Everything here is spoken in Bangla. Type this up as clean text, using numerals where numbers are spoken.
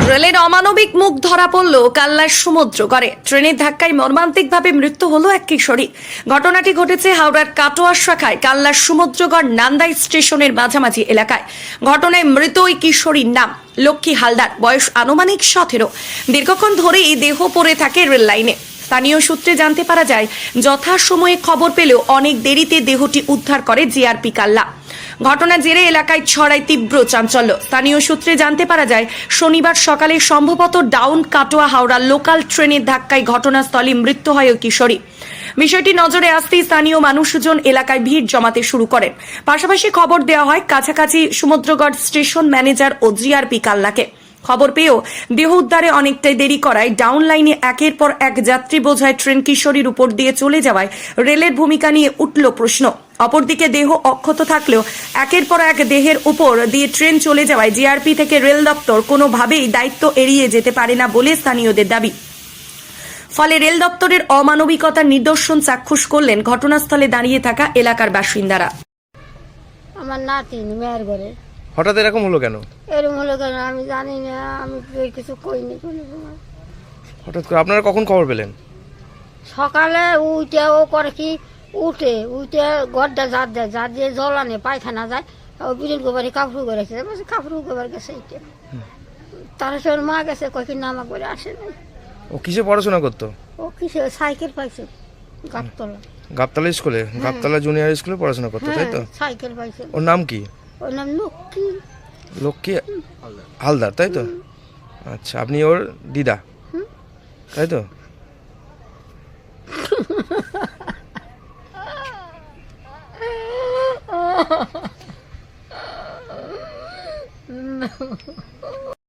রেলের অমানবিক মুখ ধরা পড়ল কাল্লার সমুদ্রগড়ে। ট্রেনের ধাক্কায় মর্মান্তিকভাবে মৃত্যু হলো এক কিশোরী। ঘটনাটি ঘটেছে হাওড়ার কাটোয়া শাখায় কাল্লার সমুদ্রগড় নান্দাই স্টেশনের মাঝামাঝি এলাকায়। ঘটনায় মৃত ওই কিশোরীর নাম লক্ষ্মী হালদার, বয়স আনুমানিক 17। দীর্ঘক্ষণ ধরেই দেহ পড়ে থাকে রেল লাইনে। স্থানীয় সূত্রে জানতে পারা যায়, যথাসময়ে খবর পেলেও অনেক দেরিতে দেহটি উদ্ধার করে জিআরপি কাল্লা। ঘটনার জেরে এলাকায় ছড়ায় তীব্র চাঞ্চল্য। স্থানীয় সূত্রে জানতে পারা যায়, শনিবার সকালে সম্ভবত ডাউন কাটোয়া হাওড়া লোকাল ট্রেনের ধাক্কায় ঘটনাস্থলে মৃত্যু হয় ওই কিশোরী। বিষয়টি নজরে আসতেই স্থানীয় মানুষজন এলাকায় ভিড় জমাতে শুরু করেন। পাশাপাশি খবর দেওয়া হয় কাছাকাছি সমুদ্রগড় স্টেশন ম্যানেজার ও জিআরপি কাল্লাকে। খবর পেয়েও দেহ উদ্ধারে অনেকটাই দেরি করায় ডাউন লাইনে একের পর এক যাত্রী বোঝাই ট্রেন কিশোরীর উপর দিয়ে চলে যাওয়ায় রেলের ভূমিকা নিয়ে উঠল প্রশ্ন। অপরদিকে দেহ অক্ষত থাকলেও একের পর এক দেহের উপর দিয়ে ট্রেন চলে যাওয়ায় জিআরপি থেকে রেল দপ্তর কোনোভাবেই দায়িত্ব এড়িয়ে যেতে পারে না বলে স্থানীয়দের দাবি। ফলে রেল দপ্তরের অমানবিকতার নিদর্শন চাক্ষুষ করলেন ঘটনাস্থলে দাঁড়িয়ে থাকা এলাকার বাসিন্দারা। আমার নাতিন মেয়ের ঘরে হঠাৎ এরকম হলো কেন? এরকম হলো কেন আমি জানি না, আমি তো কিছু কইনি কোনো সময়। হঠাৎ করে আপনারা কখন খবর পেলেন? সকালে উঠে ও করে কি উঠে গড্ডা জাত দিয়ে জল আনে পায়খানা যায়, ও বিরিল গোবারে কাপড় করেছে, কাপড় গোবার গেছে এইটা। তার সঙ্গে মা গেছে কয়েক নামা করে আসে নাই। ও কিসে পড়াশোনা করতো? ও কিসে সাইকেল পাইছে গাবতলা। গাবতলা স্কুলে, গাবতলা জুনিয়র স্কুলে পড়াশোনা করতো, তাই তো? সাইকেল পাইছে। ওর নাম কি? ওর নাম লক্ষ্মী লক্ষ্মী হালদার, তাই তো? আচ্ছা, আপনি ওর দিদা, তাই তো?